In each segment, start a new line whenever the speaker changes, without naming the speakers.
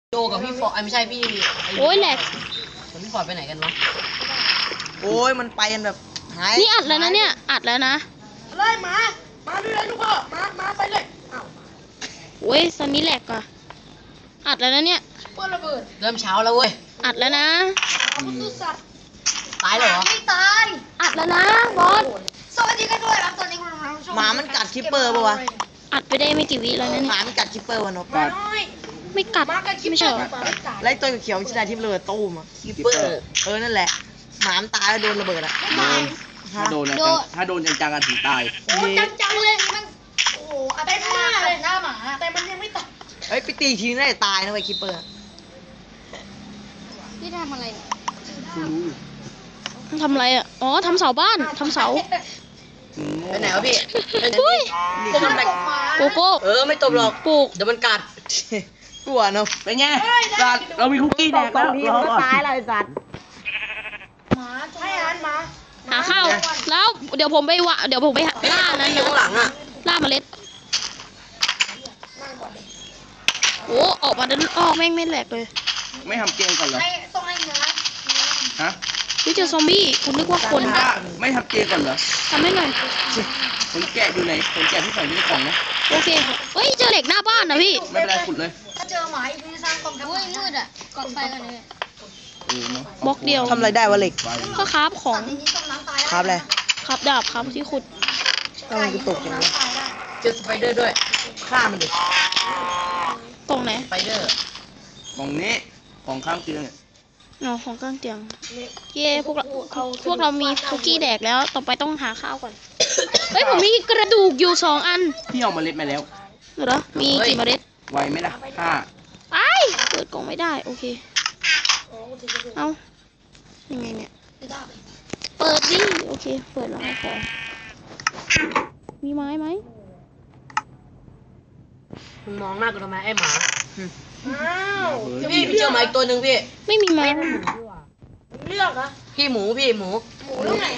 โจกับพี่ฟอร์ดไม่ใช่พี่
โอ้ยแหลก
พี่ฟอร์ดไปไหนกันวะ
โอ้ยมันไปกันแบบหาย
นี่อัดแล้วนะเนี่ยอัดแล้วนะ
อะไรมาด้วยเลยลูกพ่อมาไปเลยอ้าว
โอ้ยตอนนี้แหลกอ่ะอัดแล้วนะเนี่ย
เปิดระเบิด
เริ่มเช้าแล้วเว้ย
อัดแล้วนะ
ตายเหรอ
ไม่ตาย
อัดแล้วนะบอส
สวัสดีกันด้วยครับตอนนี้คุณกำลังชม
หมามันกัดคิปเปอร์ปะวะ
อัดไปได้ไม่กี่วิแล้วนะ
ห
เนี่ย
มามันกัดคิปเปอร์วะนก
มาน้อย
ไม่กัด
มากันคิด
ไม่ใช่เหรอ
ไล่ตัวเขียวชิดาที่ระเบิดตู้มอะ
คิปเปอร์
นั่นแหละหมามันตายแล้วโดนระเบิดอะ
ถ้าโดนนะถ้าโดนจังๆกันถึงตาย
โอ้จังเลยมันโอ้โหเต็มหน้าเลยหน้าหมาแต่มันยังไม่ตาย
เฮ้ยไปตีทีน่าจะตายนะไอ้คิปเปอร์
พี่ทำอะไรทำอะไรอ่ะอ๋อทำเสาบ้านทำเสา
ไปไหนวะพี่
อุ้ย
ผมมัน
โกโก้
ไม่ตบหรอก
ปลูก
เดี๋ยวมันกัด
กลัวเนาะ
เป็นไงสัตว์เรามีคุกกี้แดกแล้วรอก่อน
ตายเลยสัตว์
หมาให้อาหารหมา
หาข้าวแล้วเดี๋ยวผมไปล่านะ
อยู่ข้างหลังอ่ะ
ล่าเมล็ดโอ้ออกมาเดินออกแม่งไม่แหลกเลย
ไม่ทำเกมก่อนเหรอ
ให้ต้องให้เนื้อ
ฮะ
พี่เจอซอมบี้คุณนึกว่าคน
ไม่ทำเกมก่อนเหรอ
ทำให้หน่อย
คนแกะอยู่ไหนคนแกะที่ใส่ในกล่องนะ
โอเคเฮ้ยเจอเหล็กหน้าบ้านนะพี่
ไม่เป็นไรขุดเลย
ถ้าเจอหมาอีกทีสร้างกองทัพมืดอ่ะกองไฟกันเลย
บล็อกเดียว
ทำอะไรได้วะเหล็ก
ก็คราฟของ
ทีนี้ต้มน้ำตาย
ครับเลย
คราฟดาบคราฟที่ขุด
ก็มันกูตกอย่างนี้
เจอสไปเดอร์ด้วยฆ่ามันดิ
กล่องไหน
สไปเดอร์
กล่องนี้ของข้างเตียงเนี่ย
อ๋อของกลางเตียงเย่พวกเรามีคุกกี้แดกแล้วต่อไปต้องหาข้าวก่อนเฮ้ยผมมีกระดูกอยู่2 อัน
พี่เอาเมล็ดมาแล้ว
เหรอมีกี่เมล็ด
ไวไหมล่ะห้า
ไอเปิดกล่องไม่ได้โอเคเอายังไงเนี่ยเปิดดิโอเคเปิดแล้วขอมีไม้ไหม
มึงมองหน้ากูทำไมไอ้หมา
อ้าว
พี่เจอหมาอีกตัวหนึ่งพี่
ไม่มีไม้
เลือกอะ
พี่หมูหมู
หมูแล้วไง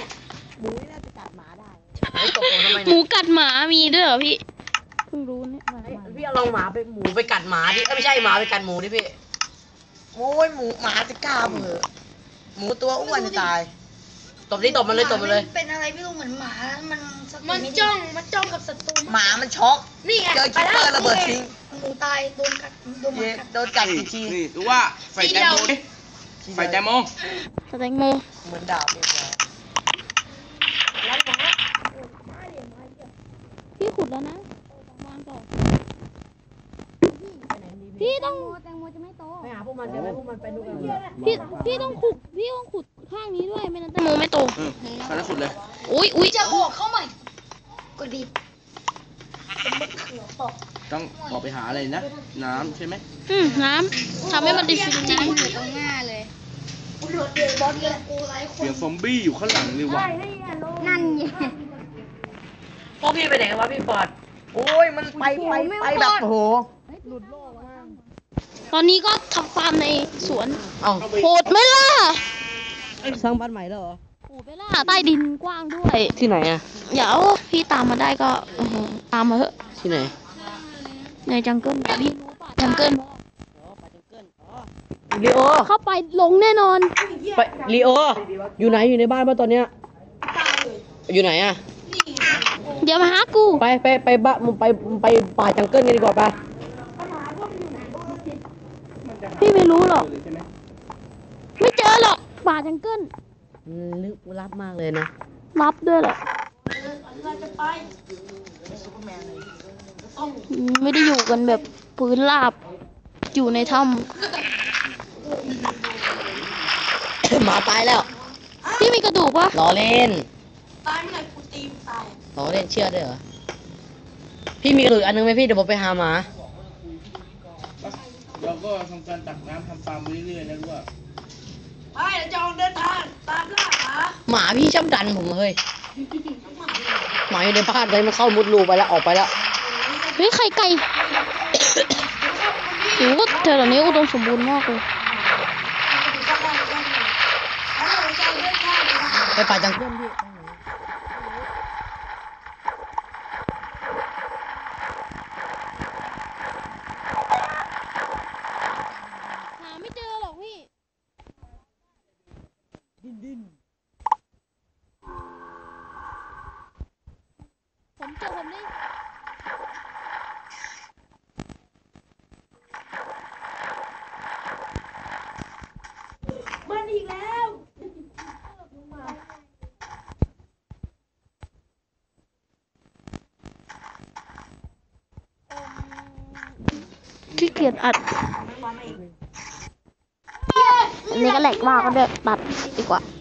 ไม่ตบผมทำไม
หมู
เนี่ย
กัดหมามีด้วยเหรอพี่เพิ่งรู้เนี่ย
พี่เอาลองหมูไปกัดหมาดิไม่ใช่หมาไปกัดหมูดิพี่
โอ้ยหมาจะกล้าเหรอหมูตัวอ้วนจะตาย
ตบมันเลย
เป็นอะไรไม่รู้เหมือนหมามันจ้องกับศัตรู
หมามันช็อก
นี่ไง
เจอคิปเปอร์ระเบิดทิ้ง
หมูตายโดนกัดโดนหมากัด
โดนกัดกี่ที
นี่ดูว่าไฟแตงโมดิไฟแตงโม
สแตงโม
เหมือนดาบเลยนะ
พี่ขุดแล้วนะวางต่อพี่ต้อง
ไปหาพวกมันใช่ไหมพวกมันไปดูกัน
พี่ต้องขุดข้างนี้ด้วยไม่นั้นแตงโมไม่โต
ตอนนั้นขุดเลย
อุ้ย
จะออกเข้าใหม่กดดิบ
ต้องออกไปหาอะไรนะ น้ำใช่ไหม
น้ำทำให้มันดิฟินน้ำ
กูโดดเดือดบอลเลยกูไลฟ์ค
เสีย
น
งซอมบี้อยู่ข้างหลังเลยว่ะ
พวกพี่ไปไหนกันวะพี่ฟอร์ด
โอ้ยมันไปแบบโอ้โห
ตอนนี้ก็ทำฟาร์มในสวน
เอ้า
โหดไหมล่ะ
สร้างบ้านใหม่แล้วเหรอ
โหดไหมล่ะใต้ดินกว้างด้วย
ที่ไหนอะ
เดี๋ยวพี่ตามมาได้ก็ตามมาเถอะ
ที่ไหน
ในจังเกิลแต่พี่รู้ป่ะจังเกิล
ลีโอ
เข้าไปลงแน่นอน
ไปลีโออยู่ไหนอยู่ในบ้านป่ะตอนเนี้ยอยู่ไหนอะ
เดี๋ยวมาหากู
ไปบ้านมึงไปป่าจังเกิลกันดีกว่าป่ะ
พี่ไม่รู้หรอกไม่เจอหรอกป่าจังเกิล
ลึกลับมากเลยนะ
รับด้วยเหรอไม่ได้อยู่กันแบบพื้นราบอยู่ในถ้
หมาตายแล้ว
ำพี่มีกระดูกปะ
ล้อเล่น
ตายเมื่อไหร่กูตีมตาย
ล้อเล่นเชื่อด้วยเหรอพี่มีกระดูกอันนึงไหมพี่เดี๋ยวผมไปหาหมา
เราก็ทำการตักน้ำทำฟาร์มไปเรื่อยๆนะรู้ว่า
ไปเดี๋ยวจะออกเดินทางตามล่าหมา
หมาพี่ชอบดันผมเฮ้ยหมาอยู่ในบ้านเลยมันเข้ามุดรูไปแล้วออกไปแล้ว
เฮ้ยไข่ไก่โอ้โหเธอเหล่านี้อุดมสมบูรณ์มากเลย
ไปป่าจังเกิลพี่
เจอผมดิ
มันอีกแล้ว
ขี้เกียจอัด อันนี้ก็แหลกมากก็เดี๋ยวตัดดีกว่า